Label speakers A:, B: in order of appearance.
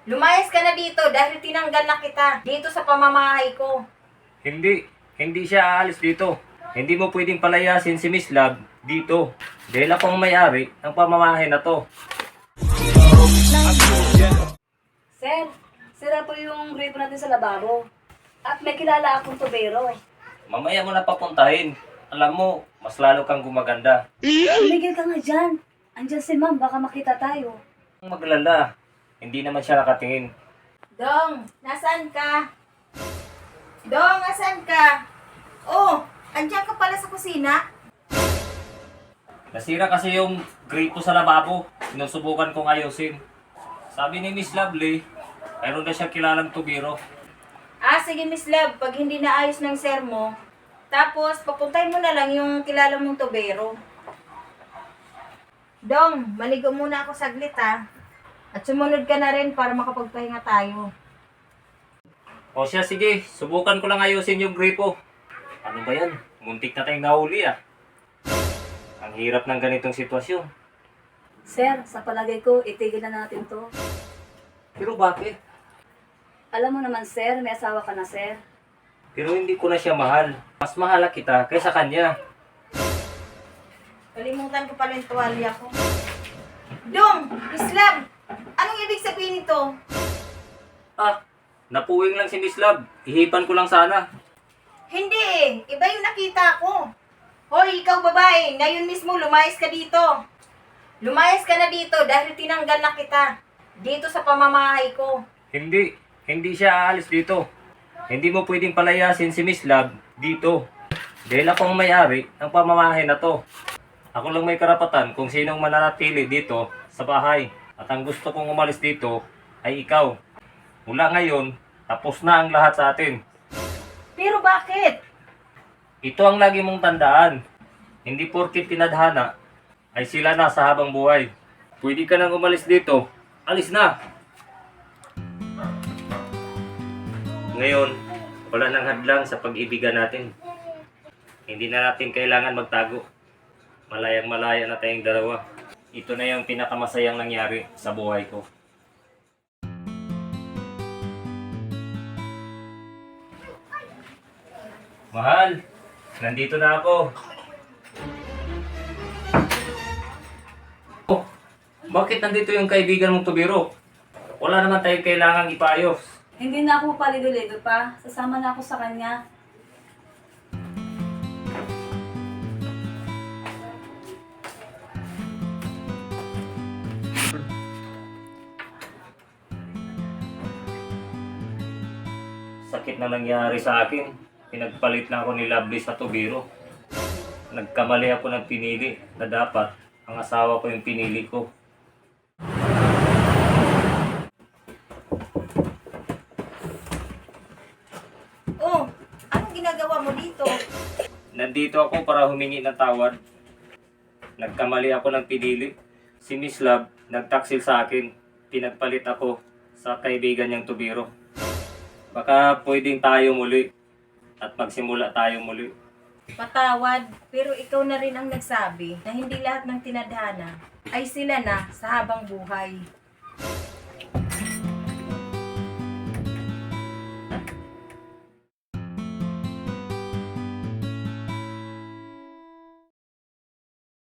A: Lumayas ka na dito dahil tinanggal na kita dito sa pamamahay ko.
B: Hindi siya aalis dito. Hindi mo pwedeng palayasin si Miss Love dito. Dahil ako ang may-ari ng pamamahay na to.
C: Sir, sira po yung gripo natin sa lababo. At may kilala akong tubero.
B: Mamaya mo na papuntahin. Alam mo, mas lalo kang gumaganda.
C: Tumigil ka nga dyan. Andyan si ma'am, baka makita tayo.
B: Ang maglala. Hindi naman siya nakatingin.
A: Dong, nasaan ka? Dong, nasaan ka? Oh, andyan ka pala sa kusina?
B: Nasira kasi yung gripo sa lababo. Sinusubukan kong ayusin. Sabi ni Miss Lovely, mayroon na siya kilalang tubiro.
A: Sige Miss Love, pag hindi naayos ng sir mo, tapos papuntahin mo na lang yung kilala mong tubero. Dong, maligo muna ako saglit ha. At sumunod ka na rin para makapagpahinga tayo.
B: O siya, sige. Subukan ko lang ayusin yung gripo. Ano ba yan? Muntik na tayong nahuli ah. Ang hirap ng ganitong sitwasyon.
C: Sir, sa palagay ko, itigil na natin to.
B: Pero bakit?
C: Alam mo naman sir, may asawa ka na sir.
B: Pero hindi ko na siya mahal. Mas mahal kita kaysa kanya.
A: Kalimutan ko pala yung tuwalya ko. Dong, Miss Love, anong ibig sabihin nito?
B: Napuwing lang si Miss Love. Ihipan ko lang sana.
A: Hindi eh, iba yung nakita ko. Hoy, ikaw babae, ngayon mismo lumayas ka dito. Lumayas ka na dito dahil tinanggal na kita dito sa pamamahay ko.
B: Hindi siya aalis dito. Hindi mo pwedeng palayasin si Miss Love dito. Dahil ako ang may-ari ng pamamahay na to. Ako lang may karapatan kung sinong mananatili dito sa bahay. At ang gusto kong umalis dito ay ikaw. Mula ngayon, tapos na ang lahat sa atin.
A: Pero bakit?
B: Ito ang lagi mong tandaan. Hindi porkit tinadhana ay sila na sa habang buhay. Pwede ka nang umalis dito. Alis na! Ngayon, wala nang hadlang sa pag-ibigan natin. Hindi na natin kailangan magtago. Malayang-malaya na tayong dalawa. Ito na yung pinakamasayang nangyari sa buhay ko. Mahal, nandito na ako. Oh, bakit nandito yung kaibigan mong tubiro? Wala naman tayong kailangang ipayos.
C: Hindi na ako paligo-ligo pa. Sasama na ako sa kanya.
B: Sakit na nangyari sa akin. Pinagpalit na ako ni Lovely sa tubiro. Nagkamali ako ng pinili na dapat ang asawa ko yung pinili ko.
A: Oh, anong ginagawa mo dito?
B: Nandito ako para humingi ng tawad. Nagkamali ako ng pinili. Si Miss Love nagtaksil sa akin. Pinagpalit ako sa kaibigan niyang tubiro. Baka pwedeng tayo muli at magsimula tayo muli.
A: Patawad, pero ikaw na rin ang nagsabi na hindi lahat ng tinadhana ay sila na sa habang buhay.